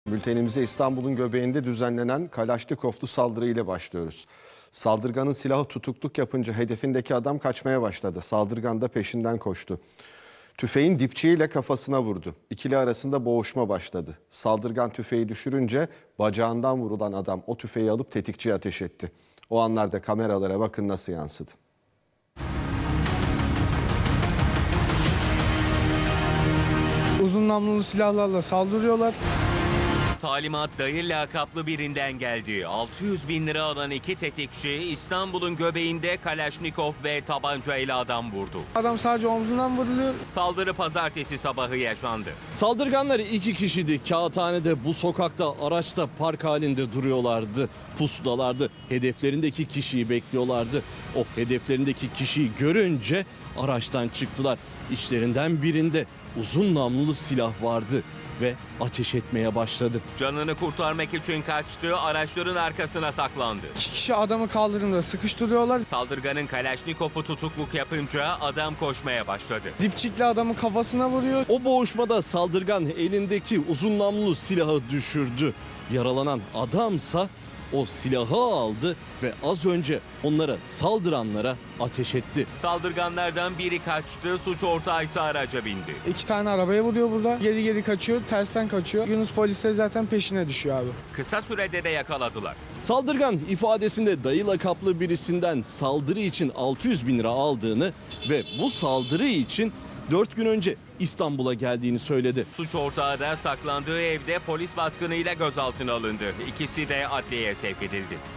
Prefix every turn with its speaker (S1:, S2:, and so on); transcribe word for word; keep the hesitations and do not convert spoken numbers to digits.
S1: Bültenimize İstanbul'un göbeğinde düzenlenen Kalaşnikovlu saldırı ile başlıyoruz. Saldırganın silahı tutukluk yapınca hedefindeki adam kaçmaya başladı. Saldırgan da peşinden koştu. Tüfeğin dipçiğiyle kafasına vurdu. İkili arasında boğuşma başladı. Saldırgan tüfeği düşürünce bacağından vurulan adam o tüfeği alıp tetikçiye ateş etti. O anlarda kameralara bakın nasıl yansıdı.
S2: Uzun namlulu silahlarla saldırıyorlar.
S3: Talimat dayı lakaplı birinden geldi. altı yüz bin lira alan iki tetikçi İstanbul'un göbeğinde Kalaşnikov ve tabancayla adam vurdu.
S2: Adam sadece omzundan vuruluyor.
S3: Saldırı pazartesi sabahı yaşandı.
S4: Saldırganlar iki kişiydi. Kağıthane'de bu sokakta araçta park halinde duruyorlardı. Pusudalardı. Hedeflerindeki kişiyi bekliyorlardı. O hedeflerindeki kişiyi görünce araçtan çıktılar. İçlerinden birinde uzun namlulu silah vardı ve ateş etmeye başladı.
S3: Canını kurtarmak için kaçtı, araçların arkasına saklandı.
S2: İki kişi adamı kaldırımda sıkıştırıyorlar.
S3: Saldırganın Kalaşnikov'u tutukluk yapınca adam koşmaya başladı.
S2: Dipçikle adamın kafasına vuruyor.
S4: O boğuşmada saldırgan elindeki uzun namlulu silahı düşürdü. Yaralanan adamsa o silahı aldı ve az önce onlara saldıranlara ateş etti.
S3: Saldırganlardan biri kaçtı, suç ortağı ise araca bindi.
S2: İki tane arabaya vuruyor burada. Geri geri kaçıyor, tersten kaçıyor. Yunus polisleri zaten peşine düşüyor abi.
S3: Kısa sürede de yakaladılar.
S4: Saldırgan ifadesinde dayı lakaplı birisinden saldırı için altı yüz bin lira aldığını ve bu saldırı için dört gün önce İstanbul'a geldiğini söyledi.
S3: Suç ortağı da saklandığı evde polis baskınıyla gözaltına alındı. İkisi de adliyeye sevk edildi.